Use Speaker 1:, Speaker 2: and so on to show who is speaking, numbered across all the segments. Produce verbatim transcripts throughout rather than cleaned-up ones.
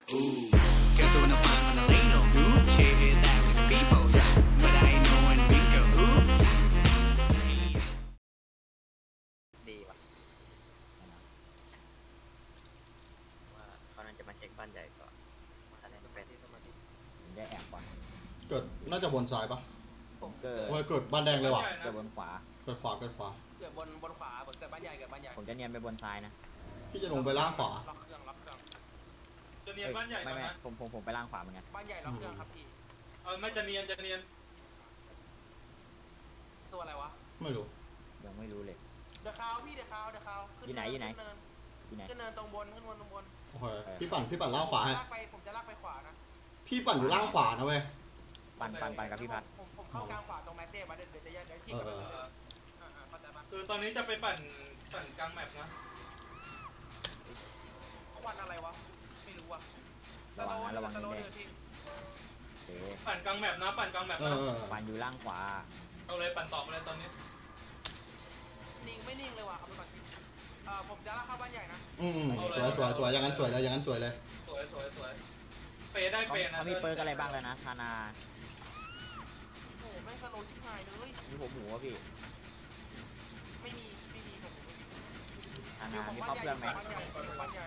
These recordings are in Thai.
Speaker 1: Ooh, girls wanna find when I lay no dude. Shit hit that with people, yeah. But I ain't knowing bingo. Ooh, yeah.
Speaker 2: ดีว่ะว่าเขาน่าจะมาเช็คบ้านใหญ่ก่อนว่าอะไรจะเป็นที่สมาธิผมได้แอบก่อน
Speaker 3: เกิดน่าจะบนซ้ายปะ
Speaker 2: ผมเกิด
Speaker 3: โอ้ยเกิดบ้านแดงเลยว่ะ
Speaker 2: เกิดบนขวา
Speaker 3: เกิดขวาเกิดขวา
Speaker 4: เกิดบนบนขวาเกิดบ้านใหญ่เกิดบ้านใหญ่
Speaker 2: ผมจะเนียนไปบนซ้ายนะ
Speaker 3: พี่จะลงไปล่างขวา
Speaker 4: ล็อกเครื่องล็อกเครื่อง
Speaker 5: จะเนียนบ้านใหญ่
Speaker 2: ไม่
Speaker 5: ก่อน
Speaker 2: ไม่
Speaker 5: นะ
Speaker 2: ผมผมผมไปล่างขวาเหมือนกัน
Speaker 4: บ้านใหญ่ล็อกเครื่องครับพี่
Speaker 5: เออไม่จะเนียนจะเนียน
Speaker 4: ตัวอะไรวะ
Speaker 3: ไม่รู้
Speaker 2: ยังไม่รู้เลย
Speaker 4: เดอะคาวพี่เดอะคาวเดอะคาว
Speaker 2: อยู่ไหนอยู่ไหน
Speaker 4: ขึ้เนิน
Speaker 2: ที่ไหน
Speaker 4: ขึ้นเนินตรงบนขึ้นบนตรงบน
Speaker 3: โอเคพี่ปั่นพี่ปั่นล่างขวาให้
Speaker 4: ลากไปผมจะลากไปขวานะ
Speaker 3: พี่ปั่นอยู่ล่างขวานะเว้ย
Speaker 2: ปั่นปั่นปั่นกับพี่พัด
Speaker 4: ผมผมเข้ากลางขวาตรงแมตเต้มาเดี๋ยวเดี๋ยวจะเดี๋ยวฉีกกลับไป
Speaker 3: เออ
Speaker 4: เลยอ่าอ่าเข้าใจปะ
Speaker 5: คือตอนนี้จะไปปั่นปั่นกลางแมปนะ
Speaker 4: เขาวันอะไรวะไม่รู้อ่ะ
Speaker 2: ระวังนะระวัง
Speaker 4: สโลว์
Speaker 2: แด
Speaker 4: เดื
Speaker 2: ง
Speaker 4: อดพี่
Speaker 2: ๆเอ๊ะ
Speaker 5: ปั่นกลางแมปนะปั่นกลางแมป
Speaker 3: เอ
Speaker 5: นะ
Speaker 3: อเออ
Speaker 2: ปั่นอยู่ล่างขวา
Speaker 5: เอาเลยปั่นต่อมาเลยตอนนี้
Speaker 4: นิ่งไม่นิ่งเลยว่ะเอาไปก่อนเอ่อผมจะลากเข้าบ้านใหญ่นะ
Speaker 3: อืมอืมสวยสวยสวยอย่างนั้นสวยเลยอย่างนั้นสวยเลย
Speaker 5: สวยสวยสวยเปย์ได้
Speaker 2: เขา
Speaker 5: เปย์นะ
Speaker 2: เขามีเปิร์กอะไรบ้างแล้วนะธานา
Speaker 4: โอ้โหแม่งสโลว์ชิบหายเลย
Speaker 2: มีผมหมูวะพี่
Speaker 4: ไม่มีไม่มีผมไม่มี
Speaker 2: ธานามีครอบเครื่องไหม
Speaker 4: บ้านใหญ่อยู่บ้านใหญ่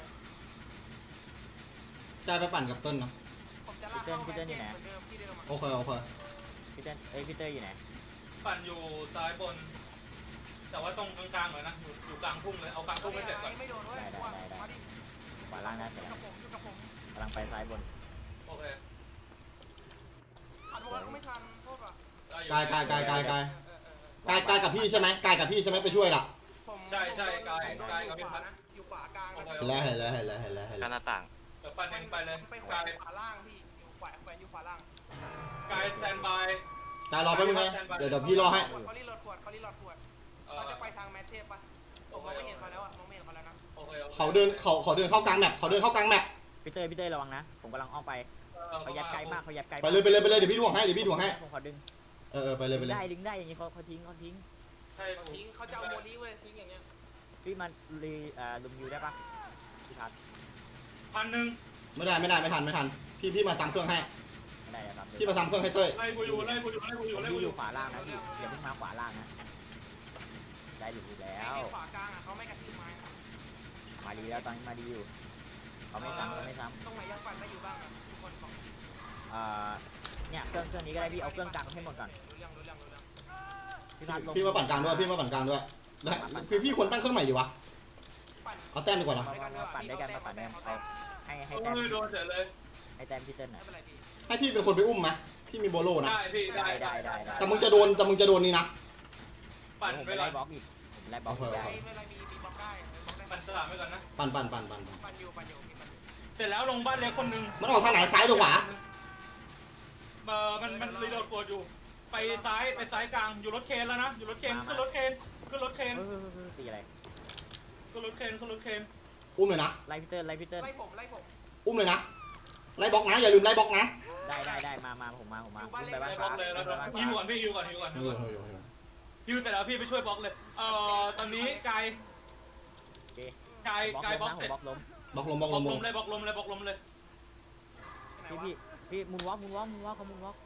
Speaker 3: ใจไปปั่นกับเต้นนะ
Speaker 4: ผมจะลากเข้าแมตเต้เหมือนเดิมที่เดิมอ่ะ
Speaker 3: โอเคโอเค
Speaker 2: พี่เต้นเอ้ยพี่เต้ยอยู่ไหน
Speaker 5: ปั่นอยู่ซ้ายบน แต่ว่าตรงกลางๆเลยนะอยู่อยู่กลางทุ่งเลยเอากลางทุ่งให้เสร็จก่อน
Speaker 4: ไม่โดนด้วยว่ามาดิ
Speaker 2: ขวาล่างนะเสร็จ
Speaker 4: กั
Speaker 2: แล้
Speaker 4: บ
Speaker 2: ว
Speaker 4: ผมอยู่กับผม
Speaker 2: กำลังไปซ้ายบน
Speaker 5: โอเค
Speaker 4: ทันว่าก็ไม่ทันโทษว่ะ
Speaker 5: ได้อยู่
Speaker 3: กายกายกายกายกาย
Speaker 4: เออเออเออก
Speaker 3: ายกายกับพี่ใช่ไหมกายกับพี่ใช่ไหมไปช่วยล่ะ
Speaker 4: ผม
Speaker 5: ใช่ใช่กาย
Speaker 4: ผม
Speaker 5: กาย
Speaker 4: อ
Speaker 5: กับพี่
Speaker 4: ข
Speaker 5: พั
Speaker 4: วา
Speaker 5: ด
Speaker 4: นะอยู่ขวากลาง
Speaker 5: โอเค
Speaker 3: เห็นแล้วเห็นแล้วเห็นแล้วเห็นแล้วเห็น
Speaker 2: กา
Speaker 3: แล้ว
Speaker 2: รหน้าต่าง
Speaker 5: เดี๋ยวปั่นเองไปเลย
Speaker 4: ไปขวาก
Speaker 5: าย
Speaker 4: ขวาล่างพี่อยู่ขวาแขวนอยู่ขวาล่าง
Speaker 5: กายสแตนบาย
Speaker 3: กายรอแป๊บนึงนะเดี๋ยวเดี๋ยวพี่รอให้
Speaker 4: เขารีโหลดขวดเขารีโหลดขวด
Speaker 5: เออ
Speaker 4: เขาจะไปทางแมทเทปปะผมมองไม่เห็นเขาแล้วอะมองไม่เห็นเขาแล้วนะ
Speaker 5: โอเคโอค
Speaker 3: เขาเดินเขาเขาเดินเข้ากลางแมปเขาเดินเข้ากลางแมป
Speaker 2: พี่เต้ยพี่เต้ยระวังนะ ผมกำลังอ้อมไป
Speaker 5: เออ
Speaker 2: เขายัดไกลมากเขายัดไกล
Speaker 3: ไปเลยไปเลยไปเลยเดี๋ยวพี่ถ่วงให้เดี๋ยวพี่ถ่วงให้
Speaker 2: ผมขอดึง
Speaker 3: เออเออไปเลยไปเลย
Speaker 2: ได้ดึงได้อย่างนี้เขาเขาทิ้งเขาทิ้ง
Speaker 5: ใช่
Speaker 4: เขาทิ้งเขาจะเอาโมลี่เว้ยทิ้งอย่างเงี้ย
Speaker 2: พี่มันรีเอ่อลุมยูได้ปะพี่พัด
Speaker 5: พันหนึ่ง
Speaker 3: ไม่ได้ไม่ได้ไม่ทันไม่ทันพี่พี่มาซ้ำเครื่องให้
Speaker 2: ไม่ได้ครับ
Speaker 3: พี่มาซ้ำเครื่องให้เต้ย
Speaker 5: ไล่กูอยู่ไล่กูอยู่ไล่กูอ
Speaker 2: ผ
Speaker 5: ยู่
Speaker 2: ม
Speaker 5: ไล่
Speaker 2: อ
Speaker 5: กู
Speaker 2: ยู่
Speaker 5: อ
Speaker 2: อยู่ ยู่ขวาล่างนะพี่อย่าเพิ่งมาขวาล่างนะได้หรือแล้
Speaker 4: ไอ้
Speaker 2: ว
Speaker 4: ขวากลางอะเขาไม่กระทืบไม้
Speaker 2: มาดีแล้วตอนนี้มาดีอยู่เขาไม่ซ้ำเขาไม่ซ้
Speaker 4: ตรงไหนยังปั่นได้อยู่บ้างอะทุกคนบอก
Speaker 2: ำเอ่อเนี่ยเครื่องเครื่องนี้ก็ได้พี่เอาเครื่องกลางให้หมดก่อน
Speaker 4: รู้เรื่องรู้เรื่องรู้เรื่อง
Speaker 2: พี่พัดลง
Speaker 3: พี่มาปั่นกลางด้วยพี่มาปั่นกลางด้วยได้พี่พี่ควรตั้งเครื่องใหม่ดีวะ
Speaker 4: ปั่น
Speaker 3: เอาแต้มดีกว่านะ
Speaker 2: มามามาปั่นด้วยกันมาปั่นด้วยกันเอาให้ให้
Speaker 5: โอ้
Speaker 2: แต้ม
Speaker 5: ยโดนเสร็จเลย
Speaker 2: ให้แต้มพี่เติ้ลหน่
Speaker 4: ไม่
Speaker 2: อย
Speaker 4: เป็นไรพี่
Speaker 3: ให้พี่เป็นคนไปอุ้มไหมพี่มีโบโลนะ
Speaker 5: ได้พี่ได้
Speaker 2: ได้ได้ได้
Speaker 3: แต่มึงจะโดนแต่มึงจะโดนนี่นะ
Speaker 5: ปั่น
Speaker 2: ผม
Speaker 5: ไป
Speaker 2: ไป
Speaker 5: ก่อ
Speaker 2: ไล่
Speaker 5: น
Speaker 2: บล็อกอีกผมไล่บล็อกอีก
Speaker 3: โอเค
Speaker 2: ได้
Speaker 4: ไม่เป็นไรมีมีบล็อกได้บล็อกได้
Speaker 5: ปั่นสลามไปก่อนนะ
Speaker 3: ปั่นปั่นปั่นปั่นปั่น
Speaker 4: ปั่นอยู่ปั่นอยู่มีปั่นอยู่
Speaker 5: เสร็จแล้วลงบ้านเล็กคนหนึ่ง
Speaker 3: มันออกทางไหนซ้ายหรือขวา
Speaker 5: เออมันมันรีโหลดกดอยู่ ไปซ้ายไปซ้ายกลางอยู่รถเคนแล้วนะอยู่รถเคนขึ้นรถเคนขึ้นรถเคน
Speaker 2: เฮ้ยเฮ้ยเฮ้ยตีอะไร
Speaker 5: ขึ้นรถเคนขึ้นรถเคน
Speaker 3: อุ้มเลยนะ
Speaker 2: ไล่พี่เติ้ลไล่พี่เติ้ล
Speaker 4: ไล่ผมไล่ผม
Speaker 3: อุ้มเลยนะไล่บล็อกนะอย่าลืมไล่บล็อกนะ
Speaker 2: ได้ได้ได้มามาผมมาผมมา
Speaker 4: อยู่บ้าน
Speaker 2: ขึ้น
Speaker 4: เล็
Speaker 2: ไป
Speaker 4: ก
Speaker 2: บ้าน
Speaker 5: บล็
Speaker 2: ฟ้า
Speaker 5: อกเลยแล้ว
Speaker 2: ขึ้นไปบ้าน
Speaker 5: ฮิวก่อ
Speaker 2: ฟ้าน
Speaker 5: พี่ฮิวก่อนฮิวก่อน
Speaker 3: เออเออเออเออ
Speaker 5: ฮิวเสร็จแล้วพี่ไปช่วยบล็อกเลยเอ่อตอนนี้กาย
Speaker 2: โอเค
Speaker 5: กาย
Speaker 2: บล็อก
Speaker 5: กายบ
Speaker 2: ล้
Speaker 5: ล็
Speaker 2: ม
Speaker 5: อก
Speaker 2: นะผ
Speaker 5: เสร็
Speaker 2: ม
Speaker 5: จ
Speaker 2: บล็อกล้ม
Speaker 3: บล็อกลมบล็อก
Speaker 5: บ
Speaker 3: ล
Speaker 5: ล็อก
Speaker 3: ม
Speaker 5: ลมเลยบล็อกลมเลยบล็อกลมเลย
Speaker 4: ไหน
Speaker 2: พี่
Speaker 4: วะ
Speaker 2: พี่พี่มุนวอล์กมุนวอล์กมุนวอล์กเขามุนวอล์ก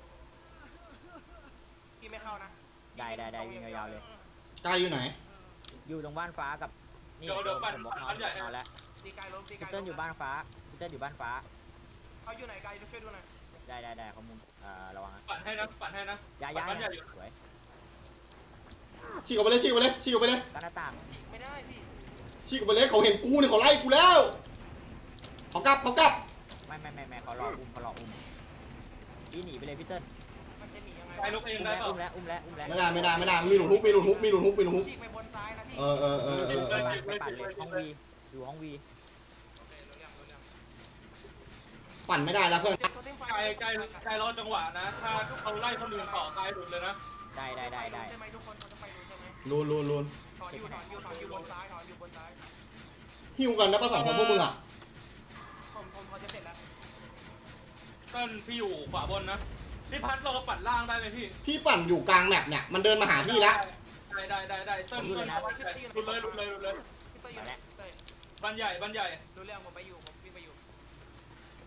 Speaker 4: พี่ไม่เข้านะ
Speaker 2: ได้ได้ได้วิ่งยาวๆเลย
Speaker 3: กายอยู่ไหน
Speaker 2: อยู่ตรงบ้านฟ้ากับนี่
Speaker 5: เดี๋ยวเดี๋ยวปั่น
Speaker 2: ผมบล็อกนอ
Speaker 5: ปั่
Speaker 2: น
Speaker 5: นใหญ่ให้
Speaker 2: นอนแล้ว
Speaker 4: ตีกายล้มตี
Speaker 2: พี่
Speaker 4: กาย
Speaker 2: เติ้ลอยู่บ้านฟ้าพี่เติ้ลอยู่บ้านฟ้า
Speaker 4: เขาอยู่ไหนกายช่วยดูหน่อย
Speaker 2: ได้ได้ได้เขามุนเอ่อระวังนะ
Speaker 5: ปั่นให้นะปั่นให้นะ
Speaker 2: ย้ายย้าย
Speaker 5: ปั่นใหญ่อยู่
Speaker 2: สวย
Speaker 3: ฉีกออกไปเลยฉีกออกไปเลยฉีกออกไปเลย
Speaker 2: กันหน้าต่าง
Speaker 4: ไม่ได้พี่
Speaker 3: ฉีกออกไปเลยเขาเห็นกูเนี่ยเขาไล่กูแล้วเขากลับเขากลับ
Speaker 2: ไม่ไม่ไม่ไม่เขารออุ้มเขารออุ้มพี่หนีไปเลยพี่เติ้ล
Speaker 4: มันจะหนียังไง
Speaker 5: กายลุกเอง
Speaker 2: อุ้ม
Speaker 5: ได้
Speaker 2: แล้ว
Speaker 5: เปล่า
Speaker 2: อุ้มแล้วอุ้มแล้วอุ้มแล้ว
Speaker 3: ไม่ได้ไม่ได้ไม่ได้มีหลุดฮุกมีหลุดฮุกมีหลุดฮุกมีหลุดฮุก
Speaker 4: ฉีกไปบนซ้ายนะพี่
Speaker 3: เออเออเออเออเออ
Speaker 2: ไปปั่นเลยห้องวีอยู่ห้องวี
Speaker 4: โอเครู้เรื่องรู้เรื่อง
Speaker 3: ปั่นไม่ได้แล้วเครื่อง
Speaker 4: เจ็บตัวเต็มไฟ
Speaker 5: กายกายกายรอจังหวะนะ ถ้าเขาไล่คนอื่นต่อกายหลุดเลยนะ
Speaker 2: ได้ได้ได้ได้
Speaker 4: ใช่ไหมทุกคนเขาจะไปรู้ใช่ไหม
Speaker 3: ลูนลูนลูน
Speaker 4: ถอนอยู่ถอนอยู่ถอนอยู่บนซ้ายถอนอยู่บนซ้าย
Speaker 3: หิวกันนะป้าสองคนพวกมึงอ่ะ
Speaker 4: ผมผมพอจะเสร็จแล้ว
Speaker 5: เต้นพี่อยู่ขวาบนนะพี่พัดเราปั่นล่างได้ไหมพี่
Speaker 3: พี่ปั่นอยู่กลางแมปเนี่ยมันเดินมาหาพี่แล้ว
Speaker 5: ได้ได้ได้ได้เต้นเต้นหลุดเลยหลุดเลยหลุดเลย
Speaker 4: พี่เต้ยอยู่ไหนพี่เต้ย
Speaker 5: บ้านใหญ่บ้านใหญ่
Speaker 4: รู้เรื่องผมไปอยู่ผมวิ่งไปอยู่ดิคิว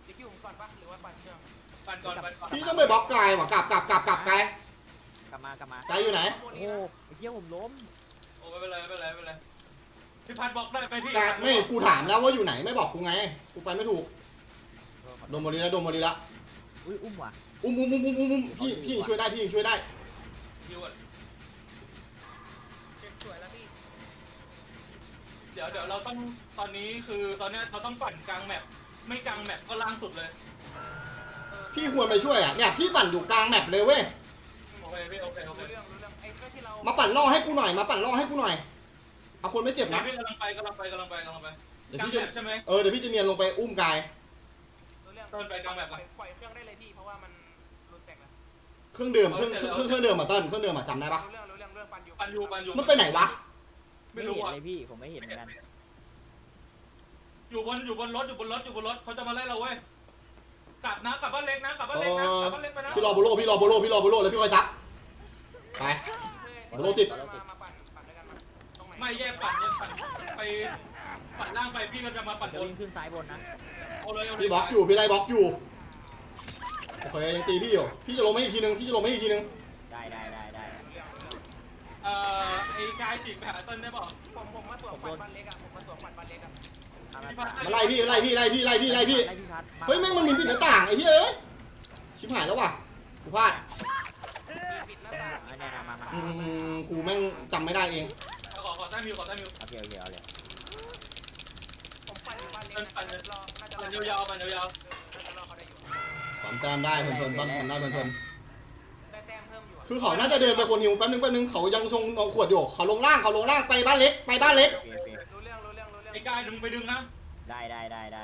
Speaker 4: ก่อนปะหรือว่าปั่นเครื่อง
Speaker 5: ปั่นก่อนปั่นก่อน
Speaker 3: พี่ต้องไปบล็อกไกลว่ะกลับกลับกลับกลับไกล
Speaker 2: กลับมากลับมา
Speaker 3: ไกลอยู่ไหน
Speaker 2: โอ้โหไอ้เหี้ยผมล้ม
Speaker 5: โอ้ไม่เป็นไรไม่เป็นไรไม่เป็นไรพี่พัดบล็อกได้ไปพี่
Speaker 3: ไกลไม่กูถามแล้วว่าอยู่ไหนไม่บอกกูไงกูไปไม่ถูกโดนโมลีแล้วโดนโมลีแล้ว
Speaker 2: อุ้ยอุ้มว่ะ
Speaker 3: อุ้มอุ้มอุ้มอุ้มอุ้มพี่พี่ช่วยได้พี่ช่วยได้
Speaker 5: คิวอ่ะ
Speaker 4: เก็บสวยแล้วพี่
Speaker 5: เดี๋ยวเดี๋ยวเราต้องตอนนี้คือตอนเนี้ยเราต้องปั่นกลางแมปไม่กลางแมปก็ล่างสุดเลย
Speaker 3: พี่ควรไปช่วยอ่ะเนี่ยพี่ปั่นอยู่กลางแมปเลยเว้ย
Speaker 5: โอเคพี่โอเคโอเค
Speaker 4: รู้เรื่องรู้เรื่องไอ้ก็ที่เรา
Speaker 3: มาปั่นล่อให้กูหน่อยมาปั่นล่อให้กูหน่อยเอาคนไม่เจ็บนะ
Speaker 5: พี่กำลังไปกำลังไปกำลังไปกำลังไป
Speaker 3: เดี๋ยว
Speaker 5: กลาง
Speaker 3: พี่
Speaker 5: แม
Speaker 3: จะ
Speaker 5: ปใช่ไหม
Speaker 3: เออเดี๋ยวพี่จะเนียนลงไปอุ้มกาย
Speaker 4: รู้เรื่อง
Speaker 5: เดินไปกลางแบบ
Speaker 4: ปล่อยปล่อยเครื่องได้เลยพี่เพราะว่ามันรุนแตกแล้ว
Speaker 3: เครื่องดื่มเครื่องเครื่องเครื่องดื่มมาต้นเครื่องดื่มมาจำได้ปะ
Speaker 4: รู้เรื่องรู้เรื่องเรื่องปั่นอยู่
Speaker 5: ปั่นอยู่ปั่นอยู่
Speaker 3: มันไปไหนวะ
Speaker 5: ไม่
Speaker 2: ไม่
Speaker 5: รู้
Speaker 2: เห็น
Speaker 5: อ่ะ
Speaker 2: เลยพี่ผมไม่เห็นเหมือนกัน
Speaker 5: อยู่บนอยู่บนรถอยู่บนรถอยู่บนรถเขาจะมาไล่เราเว้ยกลับนะกลับบ้านเล็กนะกลับบ้าน
Speaker 3: เอ
Speaker 5: เล็กนะ
Speaker 3: อก
Speaker 5: ลับบ้านเล็กไปนะ
Speaker 3: พี่รอโบโลพี่รอโบโลพี่รอโบโลแล้วพี่คอยซับไป โลติด
Speaker 4: มามาปั่นปั่นด้วยกันมาตรงไหน
Speaker 5: ไม่แยกปั่นแยกปั่นไปปั่นล่างไปพี่ก็จะมาปั่น
Speaker 2: จะ
Speaker 5: บน
Speaker 2: วิ่งขึ้นซ้ายบนนะ
Speaker 5: เอาเลยเอาเลย
Speaker 3: พี่บล็อกอยู่พี่ไล่บล็อกอยู่โอเคยังตีพี่อยู่พี่จะลงไม่อีกทีนึงพี่จะลงไม่อีกทีนึง
Speaker 2: ได้ได้ได้ได้
Speaker 5: เอ่อไอ้กายฉีกไปหาเติ้ลได้เปล่า
Speaker 4: ผมผมมาสวมปั่นบ้านเล็กอะผมมาสวมปั่นบ้านเล็กอะ
Speaker 2: ทำอะไร
Speaker 3: มาไล่พี่ไล่พี่ไล่พี่ไล่พี่ไล่พี่
Speaker 2: ไล่พี่พัด
Speaker 3: เฮ้ยแม่งมันมีปิดหน้าต่างไอ้เหี้ยเอ้ยชิบหายแล้วว่ะกูพลาด
Speaker 4: ปิดหน้าต่าง
Speaker 2: อันนี้มามา
Speaker 3: อืมกูแม่งจำไม่ได้เอง
Speaker 5: ขอขอแต้มมิวขอแต้มมิว
Speaker 2: โอเคโอเคเอาเลย
Speaker 4: ผมปั่นอยู่บ้านเล็กนะ
Speaker 5: ปั่นเลย
Speaker 4: รอน่าจะร
Speaker 5: ปั่
Speaker 4: อน
Speaker 5: ยาวๆปั่นยาว
Speaker 4: น่าจะรอเขาได้อยู่
Speaker 3: สามแต้มได้เพลินๆปั้มกันได้เพลิน
Speaker 4: ได้แต้มเพิ่มอยู่อะ
Speaker 3: ๆคือเขาน่าจะเดินไปคนหิวแป๊บนึงแป๊บนึงเขายังทรงเอาขวดอยู่เขาลงล่างเขาลงล่างไปบ้านเล็กไปบ้านเล็ก
Speaker 2: โอเคโอเค
Speaker 4: รู้เรื่องรู้เรื่องรู้เรื่อ
Speaker 5: ๆ
Speaker 4: ง
Speaker 5: ไอ้กายดึงไปดึงนะ
Speaker 2: ได้ได้ได้ได้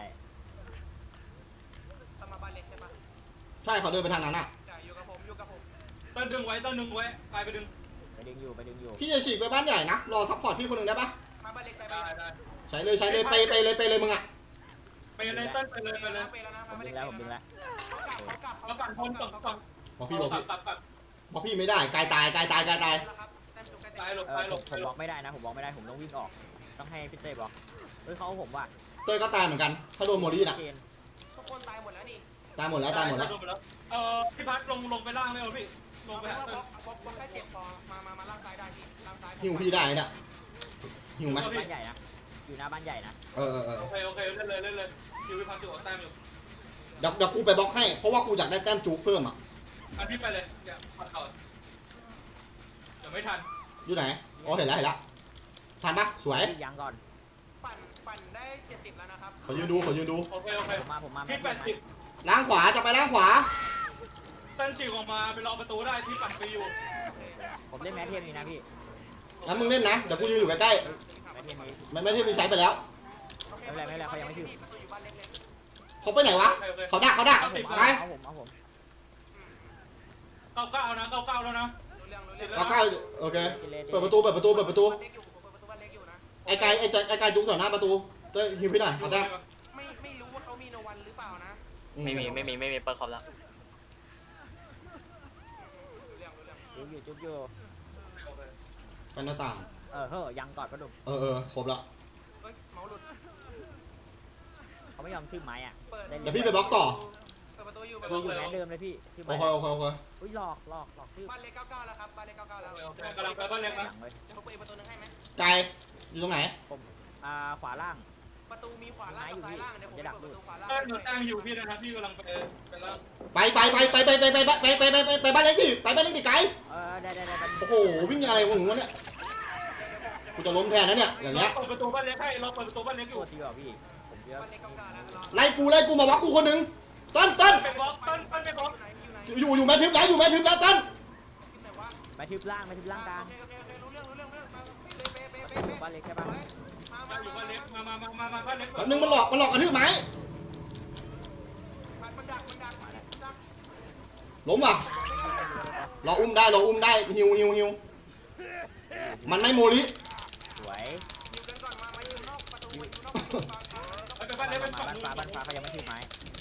Speaker 4: ต้องมาบ้านเล็กใช่ปะ
Speaker 3: ใช่เขาเดินไปทางนั้นอ่ะ
Speaker 4: จ่ายอยู่กับผมอยู่กับผม
Speaker 5: เติ้ลดึงไว้เติ้ลดึงไว้กายไปดึง
Speaker 2: ไปดึงอยู่ไปดึงอยู่
Speaker 3: พี่จะฉีกไปบ้านใหญ่นะรอซัพพอร์ตพี่คนหนึ่งได้ปะ
Speaker 4: มาบ้านเล็กใช่
Speaker 5: ได้
Speaker 4: ปะ
Speaker 5: ได้
Speaker 3: ใช้เลยใช้เลยไปไปเลยไปเลยมึงอ่ะ
Speaker 5: ไปเลยเติ้ลไปเลยไปเลย
Speaker 4: ไปแล้วนะ
Speaker 2: ผม
Speaker 4: มาบ้าน
Speaker 2: ดึ
Speaker 4: เล็
Speaker 2: ง
Speaker 4: ก
Speaker 2: แล้วผมดึงแล้ว
Speaker 4: เขากลับเขากลับ
Speaker 5: มาปั่นบนก่อนก่อน
Speaker 3: บอกพี่บอก
Speaker 5: กลั
Speaker 3: พี่
Speaker 5: บกลับกลับ
Speaker 3: บอกพี่ไม่ได้กายตายกายตายกายตาย
Speaker 4: แล้วครับแต้มจุกใกล้
Speaker 5: ตายหลบ
Speaker 2: เอ
Speaker 5: ตา
Speaker 2: อย
Speaker 5: หล
Speaker 2: ผม
Speaker 5: บ
Speaker 2: ผมบล็อกไม่ได้นะผมบล็อกไม่ได้ผมต้องวิ่งออก ต้องให้พี่เต้บล็อกเฮ้ยเขาเอาผมว่ะ
Speaker 3: เต้ยก็ตายเหมือนกัน ถ้าโดนโมลี่น่ะ
Speaker 2: เจน
Speaker 4: ทุกคนตายหมดแล้วนี่
Speaker 3: ตายหมดแล้วตายหมดแล้ว
Speaker 5: เออพี่พัดลงลงไปล่างเลยเหรอพี่ลงไป
Speaker 4: เอา
Speaker 5: หา
Speaker 4: เป็น
Speaker 5: เติ้
Speaker 4: ว่า
Speaker 5: ล
Speaker 4: บล็อกบล็อกบล็อกแค่เจ็บพอมามามาล่างซ้ายได้พี่ล่างซ้าย
Speaker 3: หิวพี่ได้เนี่ยหิวไหม
Speaker 2: บ้านใหญ่นะอยู่หน้าบ้านใหญ่นะ
Speaker 3: เออเออเออ
Speaker 5: โอเคโอเคเล่นเลยเล่นเลยคิวพี่พัดอยู่กับแต้มอยู่
Speaker 3: เดี๋ยวเดี๋ยวกูไปบล็อกให้เพราะว่ากูอยากได้แต้มจุกเพิ่มอ่ะ
Speaker 5: อันพี่ไปเลยเนี่ยพัดก่อนเดี๋ยวไม่ทัน
Speaker 3: อยู่ไหนอ๋อเห็นแล้วเห็นแล้วทันปะสวย
Speaker 2: พี่ยังก่อน
Speaker 4: ปั่นปั่นได้เจ็ดสิบแล้วนะครับ
Speaker 3: เขายืนดูเขายืนดู
Speaker 5: โอเคโอเค
Speaker 2: ผมมาผมมา
Speaker 5: พี่แปดสิบ
Speaker 3: ล้างขวาจะไปล้างขวา
Speaker 5: เติ้ลฉีกออกมาไปรอประตูได้ที่ปั่นไปอยู่
Speaker 2: ผมเล่นแมทเทมนี่นะพี่
Speaker 3: งั้นมึงเล่นนะเดี๋ยวกูยืนอยู่ใกล้
Speaker 2: แมทเทมนี้
Speaker 3: ๆมันไม่ได้มีใช้ไปแล้ว
Speaker 2: ไม่เป็นไรไม่เป็นไรเขายังไม่ถึง
Speaker 4: ประตูอยู่บ้านเล็กเลย
Speaker 3: เขาไปไหนวะเขาดักเขาดัก
Speaker 2: เอาผม
Speaker 3: ไป
Speaker 2: เอาผมเอาผม
Speaker 5: เก้าเก้านะเก้าเก้าแล้วนะ
Speaker 4: รู้เรื่องรู้เรื่อง
Speaker 3: เอาใกล้โอเคเปิดประตูเปิดประตูเปิดประตู
Speaker 4: บ้านเล็กอยู่ผมเปิดประตูบ้านเล็กอยู่นะ
Speaker 3: ไอ้ไก่ไอ้ใจไอ้ไก่จุกต่อหน้าประตูเต้ยหิวพี่หน่อยเอาแต้ม
Speaker 4: ไม่ไม่รู้ว่าเขามีโนวันหรือเปล่านะ
Speaker 3: อื
Speaker 2: ไม่มีไม่มีไม่มีเปิดคอมแล้ว
Speaker 4: รู้เรื่องรู้เรื่อง
Speaker 2: จุ๊บอยู่จุ๊บอยู่
Speaker 3: กันหน้าต่าง
Speaker 2: เออเฮ้ยยังก่อนประดุม
Speaker 3: เออเออครบละ
Speaker 4: เฮ้ยเมาส์หลุด
Speaker 2: เขาไม่ยอมขึ้นไม้อ่ะ
Speaker 4: เปิด
Speaker 3: เดี๋ยวพี่ไปบล็อกต่อ
Speaker 4: เปิดประตูอยู่
Speaker 2: คืออยู่แมทเดิมเลยพี่ที่
Speaker 3: โอเคโอเคโอเค
Speaker 2: อุ้ยหลอกหลอกหลอกชื่อ
Speaker 4: บ้านเล็กเก้าเก้าแล้วครับบ้านเล็กเก้าเก้าแล้ว
Speaker 5: โอเคกำลังไปบ้านเล็กนะ
Speaker 2: ยังเลย
Speaker 4: เดี๋ยวผมเปิดประตูนึงให้ไหม
Speaker 3: ไก่อยู่ตรงไหน
Speaker 2: ผมอ่าขวาล่าง
Speaker 4: ประตูมีขวาล่างกับซ้ายล่างเดี๋ยวผมเปิดประตูขวาล่าง
Speaker 5: เติ้ลอยู่แต้มอยู่พี่นะครับพี่กำลังไปไปล่าง
Speaker 3: ไปไปไปไปไปไปไปไปไปไปไปไปบ้านเล็กดิไปบ้านเล็กดิไก่
Speaker 2: เออได้ได้ได้
Speaker 3: โอ้โหวิ่งอะไรวะหนูวะเนี่ยกูจะล้มแทนนะเนี่ยอย่างเงี้ย
Speaker 5: เปิดประตูบ้านเล็กให้เราเปิดประตูบ้านเล็กอ
Speaker 2: ตั
Speaker 5: ยู่
Speaker 2: วทีว่ะพี่ผมเยอะ
Speaker 4: บ้านเล็กเก้าเก้าแล้วรอ
Speaker 3: ไล่กูไล่กูมาบล็อกกูคนหนึ่งต้นต้น
Speaker 5: ไปบล็อกเติ้ลเติ้ลไปบล็อก
Speaker 4: อยู่ไหนอยู่ไหน
Speaker 3: อยู่อยู่แม่ทิพย์แล้วอยู่แม่ทิพย์แล้วต้น
Speaker 4: ที่ไหนวะ
Speaker 2: ไปทึบล่างไปทึบล่างกลาง
Speaker 4: โอเคโอเคโอเครู้เรื่องรู้เรื่องรู้เรื่องมาเป๊ะเป๊ะเป๊ะเป๊ะ
Speaker 2: บ้านเล็กใช่ปะ
Speaker 4: มา
Speaker 5: ได้
Speaker 4: มา
Speaker 5: อยู่บ้านเล็กมามามามามาบ้านเล็ก
Speaker 3: แป๊บนึงมันหลอกมันหลอกกระทืบไม้
Speaker 4: มันดักมันดักมันดัก
Speaker 3: ล้มว่ะเราอุ้มได้เราอุ้มได้ฮิวฮิวฮิวมันไม่โมลิ
Speaker 2: สวย
Speaker 4: อยู่กันก่อนมามาอยู่นอกประตูมาอยู่นอกประตูก่อน
Speaker 5: ไปบ้านเล็กเป็น
Speaker 2: มา
Speaker 5: ฝั่ง
Speaker 2: บ้าน
Speaker 5: นู้น
Speaker 2: ฟ้าบ้านฟ้าเขายังไม่ทึบไม้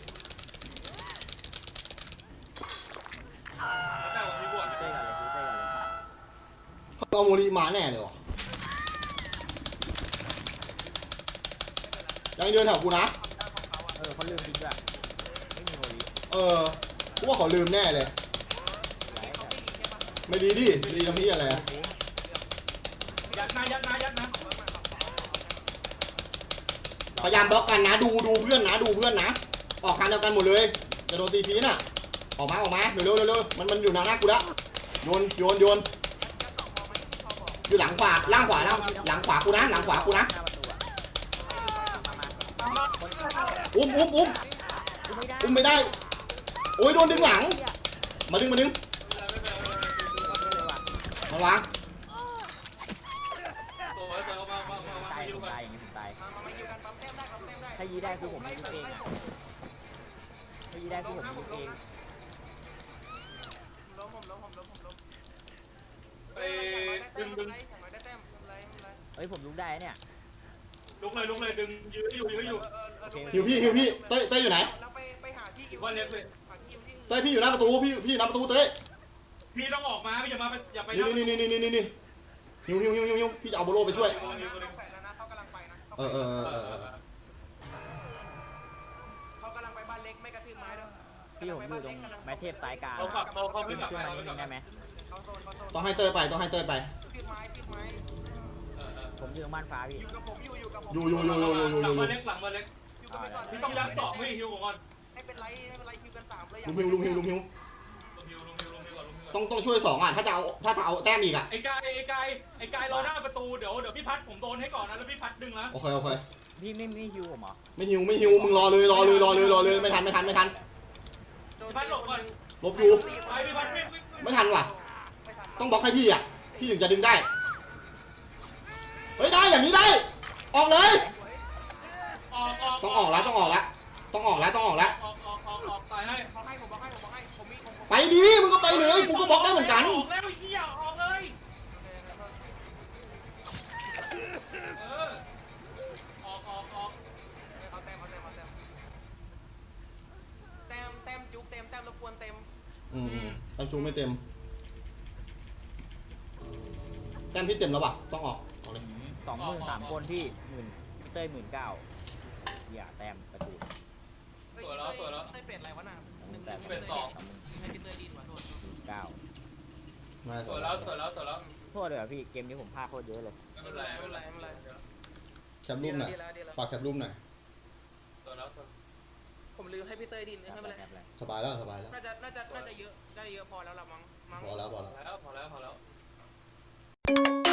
Speaker 5: เจ้ามีบวช
Speaker 2: เต้ก่อนเลยเต้ก่อนเลย
Speaker 3: เขาเอาโมลิมาแน่เลยวะยังเดินแถวกูนะ
Speaker 2: เออเขาลืมจริงด้วยไม่มี
Speaker 3: เออกูว่าเขาลืมแน่เลย
Speaker 4: เขาไม่ดีใช่ปะ
Speaker 3: ไม่ดีดิดีทำพี่อะไรอะ
Speaker 5: ยัดนะยัดนะยัดนะ
Speaker 3: พยายามบล็อกกันนะดูดูเพื่อนนะดูเพื่อนนะออกทางเดียวกันหมดเลยจะโดนตีฟีน่ะออกมาออกมาเร็วเร็วเร็วเร็วมันมันอยู่หน้าหน้ากูแล้วโยนโยนโยนอยู่หลังขวาล่างขวาล่างหลังขวากูนะหลังขวากูนะ
Speaker 2: หน้าประตูอะมามาคน
Speaker 3: อุ้มอุ้มอุ้ม
Speaker 2: กูไม่ได้
Speaker 3: อุ้มไม่ได้โอ้ยโดนดึงหลังมาดึงมาดึง
Speaker 2: เลยว่ะ
Speaker 3: มาวาง
Speaker 5: ตัวเจอมามามามา
Speaker 2: ตาย
Speaker 5: อยู่
Speaker 2: ผม
Speaker 5: กัน
Speaker 2: ตายอย่างนี้ผมตาย
Speaker 4: มามาไม่อยู่กันปั๊มแต้มได้ปั๊มแต้มได้
Speaker 2: ถ้ายีได้คือผมยิงเองอะถ้ายีได้คือผมยิงเอง
Speaker 4: ล้มผมล้มผมล้มผมล้ม
Speaker 5: ไปดึงดึง
Speaker 4: อย่างน้อยได้แต้มอะไรอะไร
Speaker 2: เฮ้ยผมลุกได้เนี่ย
Speaker 5: ลุกเลยลุกเลยดึงยื้ออยู่ยื้ออยู่
Speaker 3: หิวพี่หิวพี่เต้ยเต้ยอยู่ไหน
Speaker 4: แล้วไปไปหาที่อยู่
Speaker 5: ว่าเล็กเลย
Speaker 4: หาที่อยู่ที่อื่น
Speaker 3: เต้ยพี่อยู่หน้าประตูพี่พี่อยู่หน้าประตูเต้ย
Speaker 5: พี่ต้องออกมาพี่อย่ามาอย่าไป
Speaker 3: นี่นี่นี่นี่นี่นี่หิวหิวหิวหิวหิวพี่จะเอาโบโลไปช่วย
Speaker 4: เขากำลังไปแล้วนะเขากำลังไปนะ
Speaker 3: เออเออเออเออเออ
Speaker 4: เขากำลังไปบ้านเล็กไม่กระทืบไม้ด้วย
Speaker 2: พี่ผมอยู่ตรงไม้เทพซ้ายกลาง
Speaker 5: เรากลับเราเขา
Speaker 2: ขึ้
Speaker 5: เพิ่
Speaker 2: น
Speaker 5: งกลับ
Speaker 2: ขึ้น
Speaker 5: ไป
Speaker 2: มา
Speaker 5: เรา
Speaker 2: นิ
Speaker 5: เพิ่งกลับ
Speaker 2: ดนึงได้ไหม
Speaker 4: เขาโซนเขาโซน
Speaker 3: ต้องให้เต้ยไปต้องให้เต้ยไป
Speaker 4: ทืบไม้ทืบไม้
Speaker 2: ผมอยู่ตรงบ้านฟ้าพี่
Speaker 4: อยู่กับผมอยู่อยู่กับผม
Speaker 3: อยู่อยู่อยู่อยู่อยู่อยู่
Speaker 5: หลั
Speaker 3: อง ยู่
Speaker 5: มาเล็กหลังมาเล็ก
Speaker 4: อยู่กันไปก่อน
Speaker 5: พี่ต้องยัดสองพี่ฮิวก่อน
Speaker 4: ให้เป็นไรไม่เป็นไรคิวกันสามเลย
Speaker 3: ลุงหิวลุงหิวลุงหิว
Speaker 5: ลุงฮิวลุงฮิวลุงฮิวก่อนลุงฮิวก่อน
Speaker 3: ต้องต้องช่วยสองอ่ะถ้าจะเอาถ้าจะเอาแต้มอีกอ่ะ
Speaker 5: ไอ้กายไอ้กายไอ้กายรอหน้าประตูเดี๋ยวเดี๋ยวพี่พัดผมโดนให้ก่อนนะแล้วพี่พัดดึงนะ
Speaker 3: โอเคโอเค
Speaker 2: พี่ไม่ไม่ฮิวผมเหรอ
Speaker 3: ไม่หิวไม่หิวมึงรอเลยรอเลยรอเลยรอเลยไม่ทันไม่ทันไม่ทัน
Speaker 5: พี่พัดหลบก่อน
Speaker 3: ลบอยู่
Speaker 5: ไปพี่พัดวิ่งวิ่ง
Speaker 3: ไม่ทันว่ะต้องบล็อกให้พี่อ่ะพี่ถึงจะดึงได้เฮ้ยได้อย่างนี้ได้ ออกเลย
Speaker 5: ออกออก
Speaker 3: ต้องออกแล้วต้องออกแล้วต้องออกแล้วต้องออกแล้ว
Speaker 5: ออกออกออกออกตายให้
Speaker 4: บอกให้ผมบอกให้ผมบอกให้ผมมีผม
Speaker 3: ไปดีมึงก็ไปเลยกูก็บล็อกได้เหมือนกัน
Speaker 5: ออกแล้วไอ้เหี้ยออกเลยเออออกออกออก
Speaker 4: เอาแต้มเอาแต้มเอาแต้มแต้มแต้มจุกเต็มแต้มรบกวนเต็ม
Speaker 3: อืมตันจูไม่เต็มแต้มพี่เต็มแล้วป่ะต้องออกออกเลย
Speaker 2: สองหมื่นสามคนพี่หมื่นเต้ยหมื่นเก้าอย่าแต้มประตู
Speaker 4: เฮ้ยเต้ยเต้ยเป็ดอะไรวะน่ะ
Speaker 2: หนึ่งแปด
Speaker 5: เป็นสอง
Speaker 2: สองหมื่น
Speaker 4: ให้พี่เต้ยดินมาโทษ
Speaker 2: เก้า
Speaker 3: มา
Speaker 5: ส
Speaker 3: ต่อ
Speaker 5: วย
Speaker 3: แล้
Speaker 5: แล้ว วสวยแล้วสวยแล้ว
Speaker 2: โทษเลยเหรอพี่เกมนี้ผมพลาดโคตรเยอะเลย
Speaker 5: ไม่เป็นไรไม่เป็นไรไม่เป็นไร
Speaker 3: แคปรูปหน่อย
Speaker 4: ดีแล้วดีแล้ว
Speaker 3: ฝากแคปรูปหน่อย
Speaker 5: สวยแล้วสวย
Speaker 4: ผมลืมให้พี่เต้ยดินไม่เป็นไร
Speaker 2: แบบอะไร
Speaker 3: สบายแล้วสบายแล้ว
Speaker 4: น่าจะน่าจะน่าจะเยอะน่าจะเยอะพอแล้วละมั้งมั้ง
Speaker 3: พอแล้วพอแล้ว
Speaker 5: พอแล้วพอแล้วพอแล้ว